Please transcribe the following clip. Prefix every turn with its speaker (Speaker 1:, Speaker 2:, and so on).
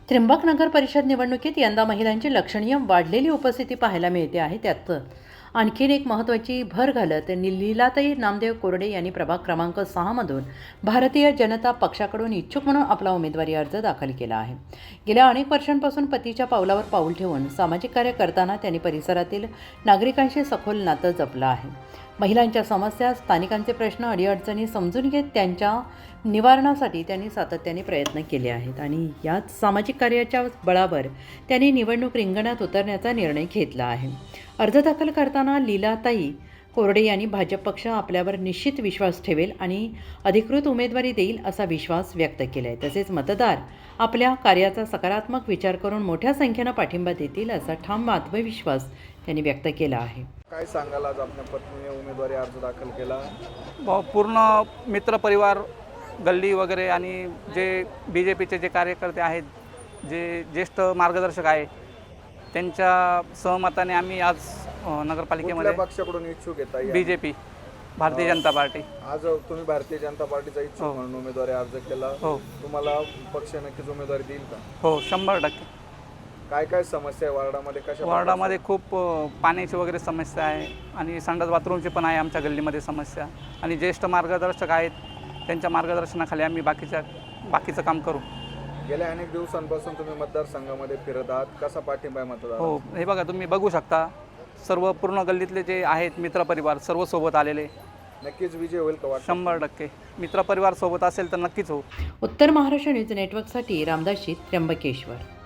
Speaker 1: त्र्यंबक नगर परिषद निवडणुकीत यंदा महिलांची लक्षणीय वाढलेली उपस्थिती पाहायला मिळते आहे. त्यात आणखीन एक महत्त्वाची भर घालत लीलाताई नामदेव कोरडे यांनी प्रभाग क्रमांक 6 मधून भारतीय जनता पक्षाकडून इच्छुक म्हणून आपला उमेदवारी अर्ज दाखल केला आहे. गेल्या अनेक वर्षांपासून पतीच्या पावलावर पाऊल ठेवून सामाजिक कार्य करताना त्यांनी परिसरातील नागरिकांशी सखोल नातं जपलं आहे. महिलांच्या समस्या, स्थानिकांचे प्रश्न, अडीअडचणी समजून घेत त्यांच्या निवारणासाठी त्यांनी सातत्याने प्रयत्न केले आहेत आणि याच सामाजिक कार्याच्या बळावर त्यांनी निवडणूक रिंगणात उतरण्याचा निर्णय घेतला आहे. अर्ज दाखल करताना लीलाताई कोरडे यांनी भाजप पक्ष आपल्यावर निश्चित विश्वास ठेवेल आणि अधिकृत उमेदवारी देईल असा विश्वास व्यक्त केला आहे. तसेच मतदार आपल्या कार्याचा सकारात्मक विचार करून मोठ्या संख्येनं पाठिंबा देतील असा ठाम आत्मविश्वास त्यांनी व्यक्त केला आहे.
Speaker 2: काय सांगाल, आज आपल्या पत्नीने उमेदवारी अर्ज दाखल केला?
Speaker 3: पूर्ण मित्रपरिवार, गल्ली वगैरे आणि जे BJPचे जे कार्यकर्ते आहेत, जे ज्येष्ठ मार्गदर्शक आहे, त्यांच्या सहमताने आम्ही आज नगरपालिकेमध्ये
Speaker 2: पक्षाकडून इच्छुक येता
Speaker 3: BJP भारतीय जनता पार्टी.
Speaker 2: आज तुम्ही भारतीय जनता पार्टीचा इच्छुक म्हणून उमेदवारी अर्ज केला.
Speaker 3: हो.
Speaker 2: तुम्हाला पक्ष नक्कीच उमेदवारी देईल का?
Speaker 3: हो, 100%.
Speaker 2: काय काय समस्या आहे वार्डामध्ये? कशा
Speaker 3: वार्डामध्ये खूप पाण्याची वगैरे समस्या आहे आणि संडास बाथरूमची पण आहे आमच्या गल्लीमध्ये समस्या. आणि ज्येष्ठ मार्गदर्शक आहेत, त्यांच्या मार्गदर्शनाखाली आम्ही बाकीचं काम करू.
Speaker 2: गेल्या अनेक दिवसांपासून तुम्ही मतदारसंघामध्ये फिरत आहात, कसा पाठिंबा आहे मतदार?
Speaker 3: हो, हे बघा, तुम्ही बघू शकता, सर्व पूर्ण गल्लीतले जे आहेत मित्रपरिवार सर्व सोबत आलेले.
Speaker 2: नक्कीच विजय होईल का?
Speaker 3: 100% मित्रपरिवार सोबत असेल तर नक्कीच हो.
Speaker 1: उत्तर महाराष्ट्र न्यूज नेटवर्कसाठी रामदास शीत, त्र्यंबकेश्वर.